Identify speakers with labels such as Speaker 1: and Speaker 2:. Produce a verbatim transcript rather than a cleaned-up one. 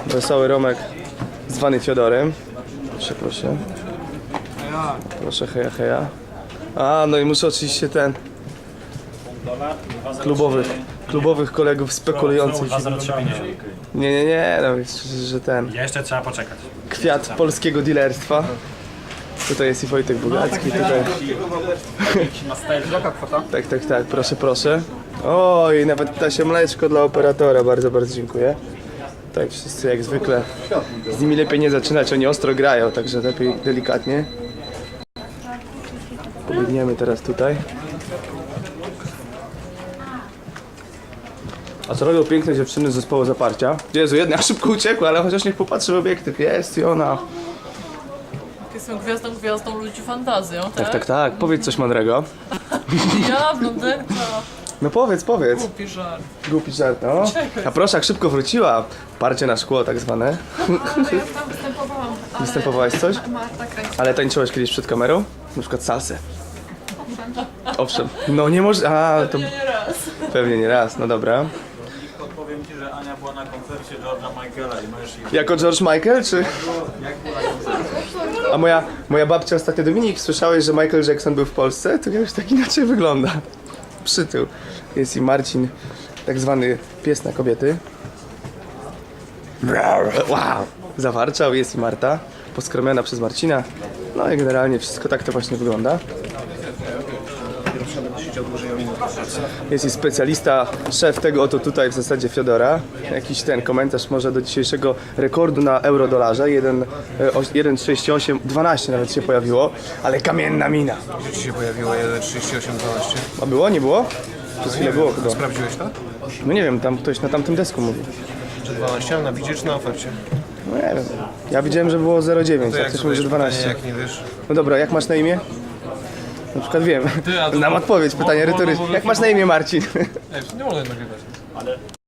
Speaker 1: Wesoły Romek zwany Fiodorem. Proszę, proszę. Proszę, heja, heja. A, no i muszę oczywiście ten klubowych, klubowych kolegów spekulujących. Nie, nie, nie, no że ten
Speaker 2: Jeszcze trzeba poczekać.
Speaker 1: kwiat polskiego dealerstwa. Tutaj jest i Wojtek Bogacki, tutaj. Tak, tak, tak, proszę, proszę. Oj, nawet ptasie mleczko dla operatora, bardzo, bardzo dziękuję. Tak, wszyscy jak zwykle. Z nimi lepiej nie zaczynać, oni ostro grają, także lepiej delikatnie. Pobiegniemy teraz tutaj. A co robią piękne dziewczyny z zespołu Zaparcia? Jezu, jedna szybko uciekła, ale chociaż niech popatrzy w obiektyw. Jest i ona.
Speaker 3: Jestem gwiazdą, gwiazdą ludzi fantazją, tak?
Speaker 1: Tak, tak, tak. Powiedz coś mądrego.
Speaker 3: Ja, blondynka.
Speaker 1: No powiedz, powiedz.
Speaker 3: Głupi żart.
Speaker 1: Głupi żart, no. A proszę, jak szybko wróciła. Parcie na szkło tak zwane.
Speaker 4: Ale ja tam występowałam, ale
Speaker 1: Występowałaś coś?
Speaker 4: Marta kręci.
Speaker 1: Ale tańczyłaś kiedyś przed kamerą? Na przykład salsę. Owszem. No nie może... A, to
Speaker 3: Nie, nie raz.
Speaker 1: pewnie nie raz, no dobra.
Speaker 2: Powiem ci, że Ania była na koncercie George'a Michaela i możesz ich...
Speaker 1: Jako George Michael, czy... A moja, moja babcia ostatnio, Dominik, słyszałeś, że Michael Jackson był w Polsce? To już tak inaczej wygląda. Przytył. Jest i Marcin, tak zwany pies na kobiety. Wow! Zawarczał, jest i Marta, poskromiona przez Marcina. No i generalnie wszystko tak to właśnie wygląda. Jest i specjalista, szef tego oto tutaj w zasadzie Fiodora. Jakiś ten komentarz może do dzisiejszego rekordu na euro-dolarze. jeden przecinek trzydzieści osiem, dwanaście nawet się pojawiło, ale kamienna mina.
Speaker 5: Gdzie ci się pojawiło jeden trzydzieści osiem dwanaście?
Speaker 1: A było, nie było? Przez chwilę było chyba.
Speaker 5: Sprawdziłeś to?
Speaker 1: No nie wiem, tam ktoś na tamtym desku mówi.
Speaker 5: Czy dwanaście, ale na widzie czy na ofercie?
Speaker 1: No nie wiem. Ja widziałem, że było zero przecinek dziewięć,
Speaker 5: To
Speaker 1: a
Speaker 5: jak
Speaker 1: ktoś mówi, że
Speaker 5: zadajesz pytanie,
Speaker 1: dwanaście.
Speaker 5: jak nie wiesz?
Speaker 1: No dobra, jak masz na imię? Na przykład wiem. Znam odpowiedź, pytanie retoryczne. Jak masz na imię, Marcin?
Speaker 5: Nie mogę nagrywać.